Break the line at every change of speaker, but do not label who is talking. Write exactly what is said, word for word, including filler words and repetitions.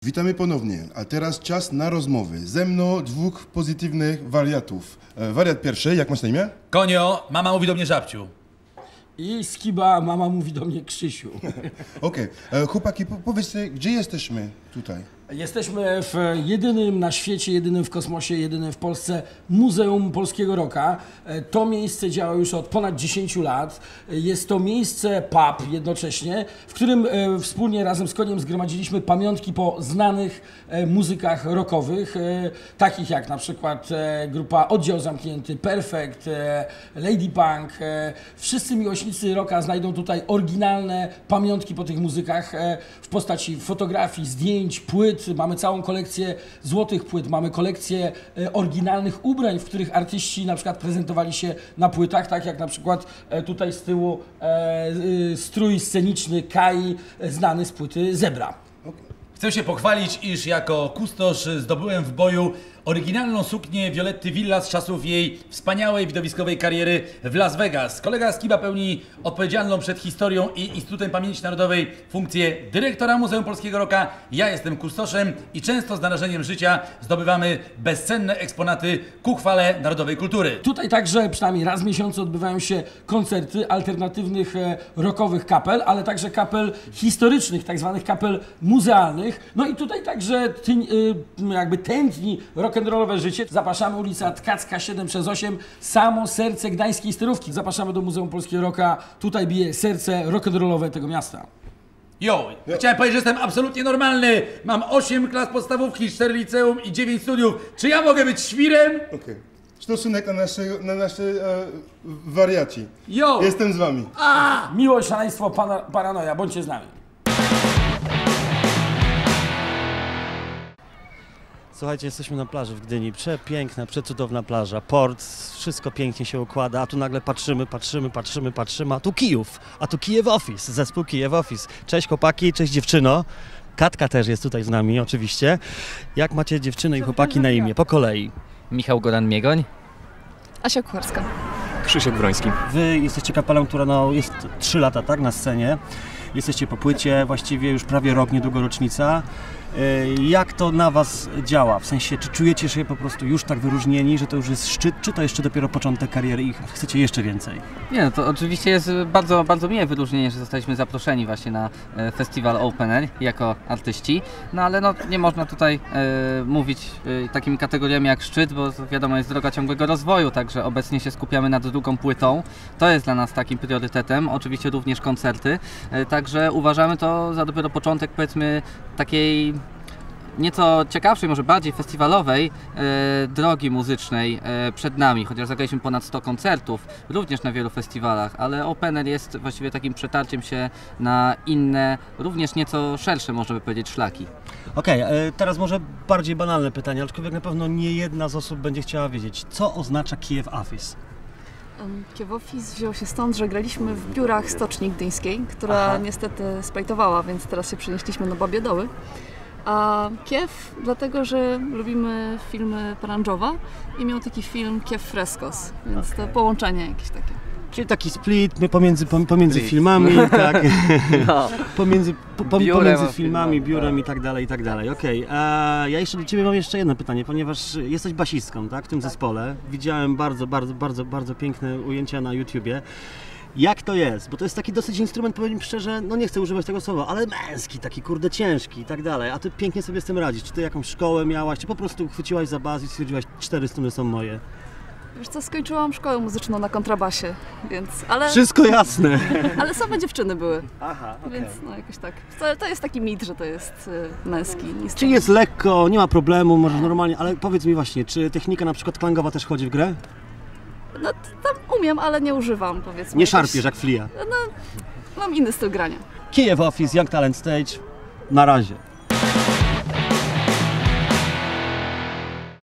Witamy ponownie, a teraz czas na rozmowy. Ze mną dwóch pozytywnych wariatów. E, wariat pierwszy, jak masz na imię?
Konio, mama mówi do mnie Żabciu.
I Skiba, mama mówi do mnie Krzysiu.
Okej, okay. Chłopaki, po powiedzcie, gdzie jesteśmy tutaj?
Jesteśmy w jedynym na świecie, jedynym w kosmosie, jedynym w Polsce Muzeum Polskiego Rocka. To miejsce działa już od ponad dziesięciu lat. Jest to miejsce pub jednocześnie, w którym wspólnie razem z Koniem zgromadziliśmy pamiątki po znanych muzykach rockowych, takich jak na przykład grupa Oddział Zamknięty, Perfect, Lady Punk. Wszyscy miłośnicy rocka znajdą tutaj oryginalne pamiątki po tych muzykach w postaci fotografii, zdjęć, płyt. Mamy całą kolekcję złotych płyt, mamy kolekcję e, oryginalnych ubrań, w których artyści na przykład prezentowali się na płytach, tak jak na przykład e, tutaj z tyłu e, e, strój sceniczny Kai, e, znany z płyty Zebra.
Chcę się pochwalić, iż jako kustosz zdobyłem w boju oryginalną suknię Violetty Villa z czasów jej wspaniałej widowiskowej kariery w Las Vegas. Kolega Skiba pełni odpowiedzialną przed historią i Instytutem Pamięci Narodowej funkcję dyrektora Muzeum Polskiego Rocka. Ja jestem kustoszem i często z narażeniem życia zdobywamy bezcenne eksponaty ku chwale narodowej kultury.
Tutaj także przynajmniej raz w miesiącu odbywają się koncerty alternatywnych e, rockowych kapel, ale także kapel historycznych, tak zwanych kapel muzealnych. No i tutaj także tyń, y, jakby tętni rock'n'rollowe życie. Zapraszamy, ulica Tkacka siedem przez osiem, samo serce gdańskiej sterówki. Zapraszamy do Muzeum Polskiego Rocka. Tutaj bije serce rock'n'rollowe tego miasta.
Jo, chciałem powiedzieć, że jestem absolutnie normalny. Mam osiem klas podstawówki, cztery liceum i dziewięć studiów. Czy ja mogę być świrem?
Okej. Okay. Stosunek na nasze, na nasze e, wariaci.
Jo!
Jestem z wami.
A! Miłość, szaleństwo, pana, paranoja. Bądźcie z nami.
Słuchajcie, jesteśmy na plaży w Gdyni. Przepiękna, przecudowna plaża, port, wszystko pięknie się układa, a tu nagle patrzymy, patrzymy, patrzymy, patrzymy, a tu Kijów, a tu Kijew Office, zespół Kijew Office. Cześć chłopaki, cześć dziewczyno. Katka też jest tutaj z nami oczywiście. Jak macie dziewczyny i chłopaki na imię? Po kolei.
Michał Goran-Miegoń.
Asia Kucharska.
Krzysiek Broński.
Wy jesteście kapelą, która no, jest trzy lata, tak, na scenie. Jesteście po płycie, właściwie już prawie rok, niedługo rocznica. Jak to na was działa? W sensie, czy czujecie się po prostu już tak wyróżnieni, że to już jest szczyt, czy to jeszcze dopiero początek kariery i chcecie jeszcze więcej?
Nie, no to oczywiście jest bardzo, bardzo miłe wyróżnienie, że zostaliśmy zaproszeni właśnie na festiwal Open Air jako artyści, no ale no, nie można tutaj e, mówić e, takimi kategoriami jak szczyt, bo wiadomo, jest droga ciągłego rozwoju, także obecnie się skupiamy nad drugą płytą. To jest dla nas takim priorytetem, oczywiście również koncerty, e, także uważamy to za dopiero początek, powiedzmy, takiej nieco ciekawszej, może bardziej festiwalowej e, drogi muzycznej e, przed nami, chociaż zagraliśmy ponad sto koncertów, również na wielu festiwalach, ale Open Air jest właściwie takim przetarciem się na inne, również nieco szersze, można by powiedzieć, szlaki.
Okej, okay, teraz może bardziej banalne pytanie, aczkolwiek na pewno nie jedna z osób będzie chciała wiedzieć, co oznacza Kijew Office?
Kijew Office wziął się stąd, że graliśmy w biurach Stoczni Gdyńskiej, która Aha. niestety splajtowała, więc teraz się przenieśliśmy na Babie Doły. A Kiew dlatego, że lubimy filmy Paranjowa i miał taki film Kiew Freskos, więc okay. to połączenie jakieś takie.
Czyli taki split pomiędzy, pomiędzy split. filmami, tak, no. pomiędzy, po, pomiędzy filmami, biurem i tak dalej, i tak dalej. Okej, okay. Ja jeszcze do Ciebie mam jeszcze jedno pytanie, ponieważ jesteś basistką, tak, w tym zespole. Widziałem bardzo, bardzo, bardzo, bardzo piękne ujęcia na YouTubie. Jak to jest? Bo to jest taki dosyć instrument, powiem szczerze, no nie chcę używać tego słowa, ale męski, taki kurde ciężki i tak dalej, a Ty pięknie sobie z tym radzisz. Czy Ty jakąś szkołę miałaś, czy po prostu chwyciłaś za baz i stwierdziłaś, cztery struny są moje?
Wiesz co, skończyłam szkołę muzyczną na kontrabasie, więc, ale...
Wszystko jasne!
Ale same dziewczyny były,
Aha, okay.
Więc no jakoś tak. To, to jest taki mit, że to jest y, męski instrument.
Czyli jest lekko, nie ma problemu, możesz normalnie, ale powiedz mi właśnie, czy technika na przykład klangowa też chodzi w grę?
No tam umiem, ale nie używam, powiedzmy.
Nie szarpiesz jak flia?
No, mam inny styl grania.
Kijew Office, Young Talent Stage, na razie.